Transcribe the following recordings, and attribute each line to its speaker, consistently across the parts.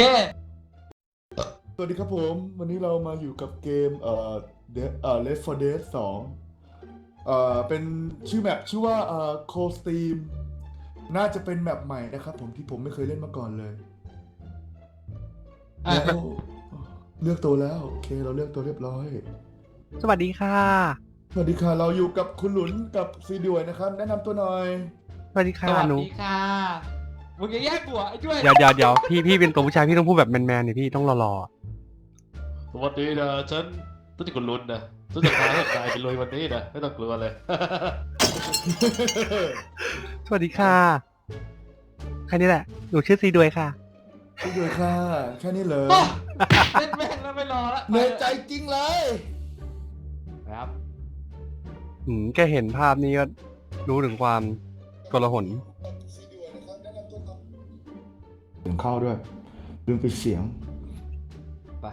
Speaker 1: สวัสดีครับผมวันนี้เรามาอยู่กับเกมLeft 4 Dead 2เป็นชื่อแมปชื่อว่าCold Steam น่าจะเป็นแมปใหม่นะครับผมที่ผมไม่เคยเล่นมาก่อนเลยแล้วเลือกตัวแล้วโอเคเราเลือกตัวเรียบร้อย
Speaker 2: สวัสดีค่ะ
Speaker 1: สวัสดีค่ะเราอยู่กับคุณหลุนกับซีด้วยนะครับแนะนำตัวหน่อย
Speaker 2: สวัสดีค่ะ
Speaker 3: สวัส
Speaker 2: หนู
Speaker 3: ดีค่ะมึงอย่าแยกหัวไอ้ด้วย
Speaker 2: เดี๋ยวพี่เป็นตัวผู้ชายพี่ต้องพูดแบบแมนๆเนี่ยพี่ต้องรอ
Speaker 3: สวัสดีนะฉันตุ้ยคนลุ้นนะตุ้ยจะพาให้กายไปรวยวันนี้นะไม่ต้องกลัวเลย
Speaker 2: สวัสดีค่ะแค่นี้แหละหนูชื่อซีด้วยค่ะ
Speaker 1: ซีด้วยค่ะแค่นี้เลย
Speaker 3: เล่นแม่งแล้วไม่รอละ
Speaker 1: เหนื่อยใจจริงเลย
Speaker 3: ครับ
Speaker 2: แค่เห็นภาพนี้ก็รู้ถึงความกลาหน
Speaker 1: เสียงเข้าด้วยลืมปิดเสียง
Speaker 3: ไป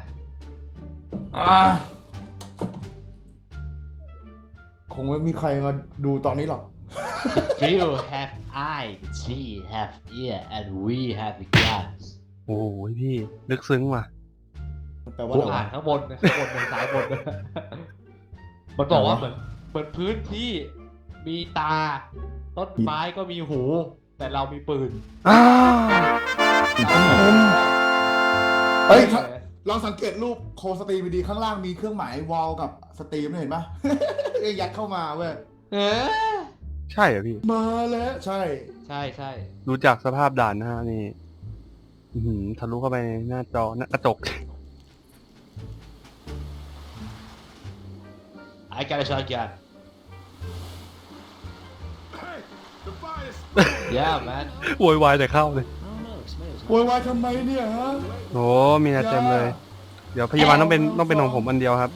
Speaker 1: คงไม่มีใครมาดูตอนนี้หรอก
Speaker 3: You have eye she have ear and we have glass
Speaker 2: โอ้ยพี่ลึกซึ้งว่ะ
Speaker 1: แปลว่า
Speaker 3: กู
Speaker 1: อะไร
Speaker 3: อ่าน
Speaker 1: วะ
Speaker 3: ข้างบนซ้ายบนมันบอกว่าเหมือนพื้นที่มีตา ต้นไม้ก็มีหู แต่เรามีปืน
Speaker 2: อ้าว
Speaker 1: เฮ้ยลองสังเกตรูปโคสตรีมดีข้างล่างมีเครื่องหมายวอลกับสตรีมเห็นปะ ยัดเข้ามาเว้ย
Speaker 2: ใช่เหรอพี่
Speaker 1: มาแล้วใช่
Speaker 3: ใช่ใช่
Speaker 2: ดูจากสภาพด่านนะฮะนี่ทะลุเข้าไปในหน้าจอหน้ากระจก
Speaker 3: I got a shotgun Yeah man
Speaker 2: โวยวายแต่เข้าเลย
Speaker 1: โวยวายทำไมเนี่ยฮะ
Speaker 2: โอ้มีนาเต็มเลย เดี๋ยวพยาบาลต้องเป็นของผมอันเดียวครับ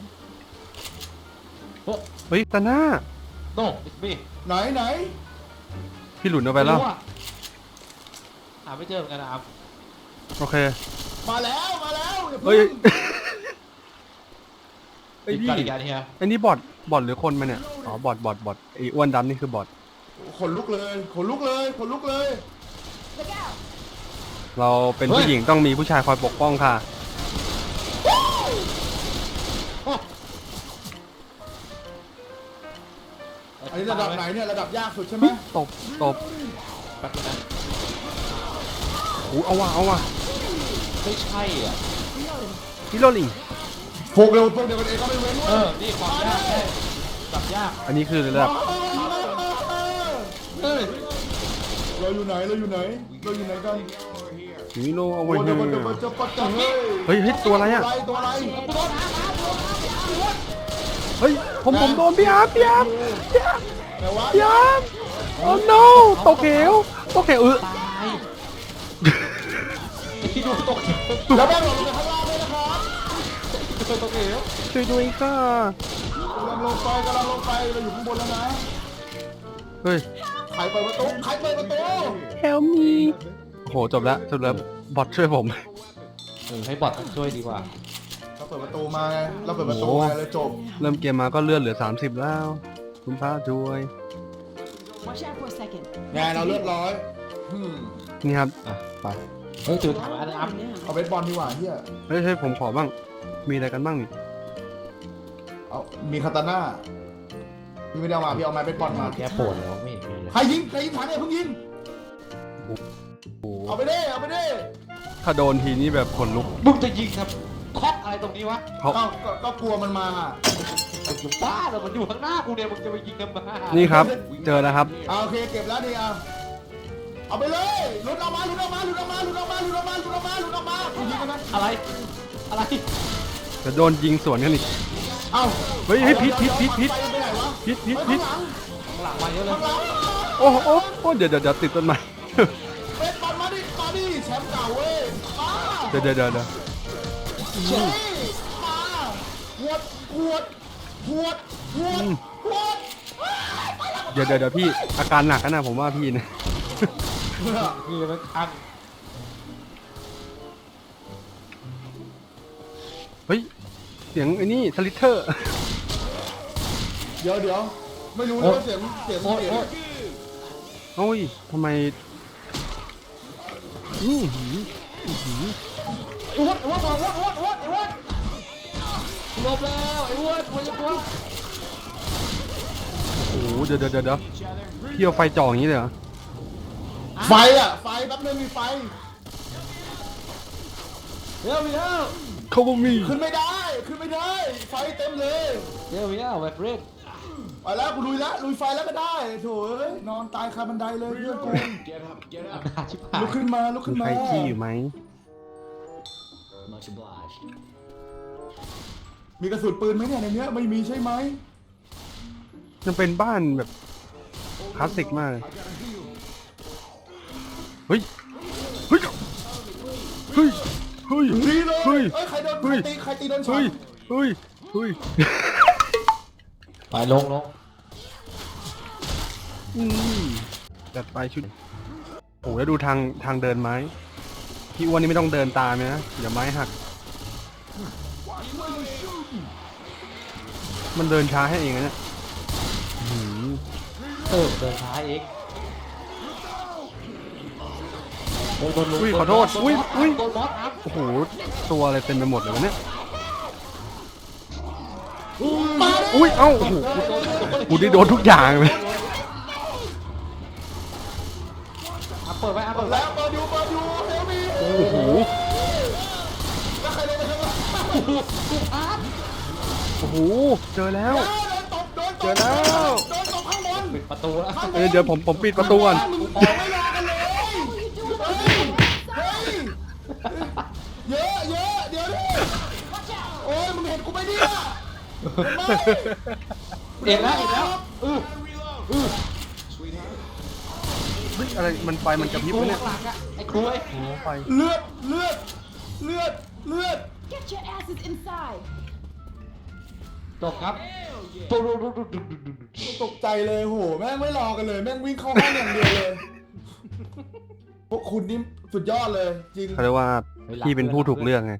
Speaker 2: เฮ้ยตาหน้า
Speaker 3: No it's me
Speaker 1: ไหน
Speaker 2: พี่หลุนเอาไปแล้ว
Speaker 3: ม่รู้อะหาไม่เจอเหมือนกันนะอัพ
Speaker 2: โอเค
Speaker 1: มาแล้วอย่า
Speaker 2: เฮ้ย
Speaker 3: ติด
Speaker 2: พี่
Speaker 3: การอีกการเฮีย
Speaker 2: อันนี้บอทหรือคนมาเนี่ย อ๋อบอทไอ้อ้วนดำนี่คือบอท
Speaker 1: ขนลุกเลยขนลุกเลย
Speaker 2: เราเป็นผู้หญิงต้องมีผู้ชายคอยปกป้องค่ะ
Speaker 1: อันนี้ระดับไหนเนี่ยระดับยากสุดใช่ไหม
Speaker 2: ตบ
Speaker 3: แป๊บนึงนะ
Speaker 2: โอ้เอาว่ะ
Speaker 3: ไม่ใช่อ่ะ
Speaker 2: ฮิโรลิง
Speaker 1: พวกเดียวกันเองก็ไม่เว้น
Speaker 3: นี่ความยากใช่จับยาก
Speaker 2: อันนี้คือระดับ
Speaker 3: เฮ้ย
Speaker 1: เราอยู่ไหนกัน
Speaker 2: ฮิโรเอาไว้
Speaker 1: โอ้
Speaker 2: เฮ้
Speaker 1: เดี๋ยวมันจะปัดจัง
Speaker 2: เฮ้ยตัวอะไรอ่ะ
Speaker 1: ตัวอะไร
Speaker 2: เฮ้ยผมโดนพี่อาร์ม
Speaker 1: แต่ว่า
Speaker 2: โอ้ no ตกเหว
Speaker 3: ตายไอ้ที่ดูตกเหว
Speaker 1: แล้วแม่งหล่นลงไปข้างล่างด้วยนะครับ
Speaker 3: ตกเหว
Speaker 2: ช่วยด้วยค่ะ
Speaker 1: กำลังลงไปเราอยู่ข้างบนแล้วนะ
Speaker 2: เฮ้ย
Speaker 1: ใครเปิดประตู
Speaker 2: help me โหจบแล้วบอทช่วยผม
Speaker 3: ให้บอทช่วยดีกว่า
Speaker 1: เราเปิดประตูมาไงเลยจบ
Speaker 2: เริ่มเกมมาก็เลื่อนเหลือ30แล้วคุณพระช่วย
Speaker 4: Watch out for a second.
Speaker 1: ไงเราเรียบร้อย
Speaker 2: นี่ครับ
Speaker 1: ไป
Speaker 3: เฮ้ยตื่นถามอันอัพ
Speaker 1: เอาเบสบอลดีกว่าเฮีย
Speaker 2: เฮ้ยผมขอบ้างมีอะไรกันบ้างนี่
Speaker 1: เอามีคาตาน่าพี่ไม่ได้เอามาพี่เอาไม้เบสบอลมา
Speaker 3: แกปวดแล้วไม่เห็นมีเลย
Speaker 1: ใครยิงถังเนี่ยเพิ่งยิงเอาไปดิ
Speaker 2: ถ้าโดนทีนี้แบบขนลุก
Speaker 3: มึงจะยิงครับเคาะอะไรตรงนี้วะ
Speaker 2: เขา
Speaker 1: ก็กลัวมันมา
Speaker 3: มึงบ้าเหรอมันอยู่ข้างหน้ากูเนี่ยมึงจะไปยิงกันมา
Speaker 2: นี่ครับ เจอแล้วครับ
Speaker 1: โอเคเก็บแล้วนี่เอาไปเลยหลุดออกมายิงกันนะ
Speaker 3: อะไร
Speaker 2: จะโดนยิงสวนกันอีก
Speaker 1: เอ้า
Speaker 2: เฮ้ยพิษ
Speaker 1: ไปไหนวะ
Speaker 2: พิษ
Speaker 1: ข้างหลัง
Speaker 3: หลังมาเยอะเลย
Speaker 2: โอ้เดี๋ยวติดต้นไม้
Speaker 1: เบสบอลมาดิแชมป์เก่าเว้ยมา
Speaker 2: เดี๋ยว
Speaker 1: เฮ้ยมาหวด
Speaker 2: เดี๋ยวพี่อาการหนักนะผมว่าพี่นะ
Speaker 3: คือมันอัน
Speaker 2: เฮ้ยเสียงไอ้นี่สลิเทอร์
Speaker 1: เดี๋ยวไม่รู้เลยว่าเสียง
Speaker 2: โอ้ยทำไม
Speaker 3: ไอ้อ้วนบอกอ้วนหลบแล้วไอ้อ้วนมันจะกลัว
Speaker 2: โอ้โหเดี๋ยวพี่เอาไฟจ่ออย่างนี้เลยเหรอ
Speaker 1: ไฟอ่ะ ไฟแป๊บนึงมีไฟ
Speaker 3: เร็วมีแล้ว
Speaker 2: เขาบ่มี
Speaker 1: ขึ้นไม่ได้ ขึ้นไม่ได้ ไฟเต็มเลย
Speaker 3: เร็วมีแล้วไวเฟรน
Speaker 1: ไปแล้วกูลุยแล้วลุยไฟแล้วก็ได้โถ่เอ้ยนอนตายคาบันไดเลยเพื่อนกู
Speaker 3: อำนาจชิบหาย
Speaker 1: ลุกขึ้นมาลุก
Speaker 2: มี
Speaker 1: ขึ้น
Speaker 2: ใค
Speaker 1: มาร
Speaker 2: ขี้อยู่ไหม
Speaker 5: Much obliged.
Speaker 1: มีกระสุนปืนไหมเนี่ยในเนี้ยไม่มีใช่ไหม
Speaker 2: มันเป็นบ้านแบบคลาสสิกมากเลยเฮ้ยเฮ้ยเฮ้ยเฮ้ย
Speaker 1: ดีเลย
Speaker 2: เฮ้ย
Speaker 1: เอ้ยใครโดน
Speaker 2: เฮ้ย
Speaker 1: ใครตีโดนช็อ
Speaker 2: เฮ้
Speaker 1: ต
Speaker 2: ยเฮ้ยเฮ้ย
Speaker 3: ไปลง
Speaker 2: อืมจัดไปชุดโอ้แล้วดูทางเดินไม้พี่อ้วนนี่ไม่ต้องเดินตามนะเดี๋ยวไม้หักมันเดินช้าให้เองนะเนี่ยอื้อหือ
Speaker 3: เดินช้าเองโอ้โดนลุง
Speaker 2: อุ้ยขอโทษอุ้ย
Speaker 3: โดนมอสครับ
Speaker 2: โอ้โหตัวอะไรเต็มไปหมดเลยวะเนี่ยอุ้ยเอ้าโอ้โหกูได้โดนทุกอย่างเลย
Speaker 3: เปิดไว้เปิดไว้
Speaker 1: แล้วเปิดอยู่เดี๋ยวมี
Speaker 2: โอ้โห
Speaker 1: แล้วใครโดนไปข้างหลัง
Speaker 2: โอ้โหเจอแล้ว
Speaker 1: โดนตบ
Speaker 2: เจอแล้ว
Speaker 1: โดนตบข้างบน
Speaker 3: ปิดประตูแล้ว
Speaker 1: ข้างบน
Speaker 2: เดี๋ยวผมปิดประตูก่อน
Speaker 1: มึงออกไม่รอกันเลยเฮ้ยเยอะเดี๋ยวดิโอ้ยมึงเห็นกูไหมเนี่ย
Speaker 3: เอ็นแล้ว
Speaker 2: เฮ้ยอะไรมันไฟมันกระพริบ
Speaker 3: ครู
Speaker 2: วะเนี่ย
Speaker 3: หลังอะไอ้ครูไอ้
Speaker 2: โอ้โหไฟ
Speaker 1: เลือด
Speaker 4: Get your asses inside.
Speaker 3: จบครับ
Speaker 1: ตกใจเลยโหแม่งไม่รอกันเลยแม่งวิ่งเข้าห้องอย่างเดียวเลยพวกคุณนี่สุดยอดเลยจริง
Speaker 2: เขาเรียกว่าพี่เป็นผู้ถูกเลือกไง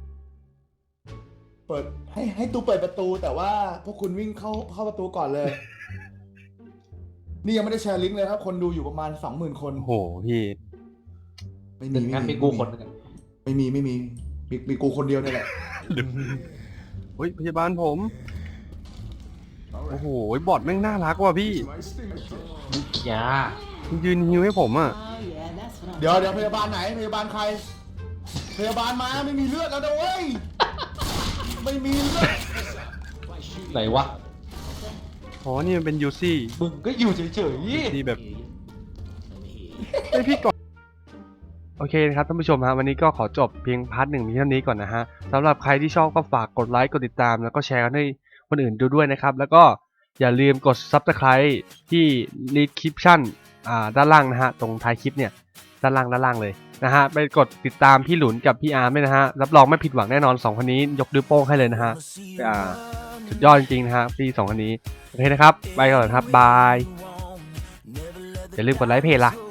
Speaker 1: เปิดให้ตูเปิดประตูแต่ว่าพวกคุณวิ่งเข้าประตูก่อนเลย นี่ยังไม่ได้แชร์ลิงก์เลยครับ คนดูอยู่ประมาณ 20,000 คน
Speaker 2: โอ้โหพี่
Speaker 1: ไม่
Speaker 3: หนึ่งงั้นมีกูคนหนึงอะ
Speaker 1: ไม่มีมีกูคนเดียวนี่แหละ
Speaker 2: เฮ้ยพยาบาลผม โอ้โหบอทแม่งน่ารักว่ะพี่
Speaker 3: อย่า
Speaker 2: ยืนฮิวให้ผมอ่ะ
Speaker 4: Oh yeah, that's what I'm
Speaker 1: เดี๋ยวพยาบาลไหนพยาบาลใคร พยาบาลมาไม่มีเลือดแล้วนะเว้ยไม่มีเลือด
Speaker 3: ไหนวะ
Speaker 2: อ๋อนี่มันเป็นยูซี่
Speaker 3: มึงก็อยู่เฉย
Speaker 2: ที่แบบไอยพี่ก่อนโอเคนะครับท่านผู้ชมฮะวันนี้ก็ขอจบเพียงพาร์ทหนึ่งเท่านี้ก่อนนะฮะสำหรับใครที่ชอบก็ฝากกดไลค์กดติดตามแล้วก็แชร์กันให้คนอื่นดูด้วยนะครับแล้วก็อย่าลืมกด Subscribe ที่ description ด้านล่างนะฮะตรงท้ายคลิปเนี่ยด้านล่างเลยนะฮะไปกดติดตามพี่หลุนกับพี่อาร์มด้วยนะฮะรับรองไม่ผิดหวังแน่นอน2คนนี้ยกนิ้วโป้งให้เลยนะฮะสุดยอดจริงๆนะฮะพี่2คนนี้โอเคนะครับไปก่อนครับบายอย่าลืมกดไลค์เพจล่ะ